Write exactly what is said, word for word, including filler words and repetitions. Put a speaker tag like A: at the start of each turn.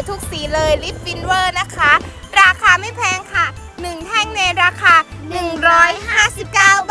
A: ทุกสีเลยลิปฟินเวอร์นะคะราคาไม่แพงค่ะหนึ่งแท่งในราคาหนึ่งร้อยห้าสิบเก้า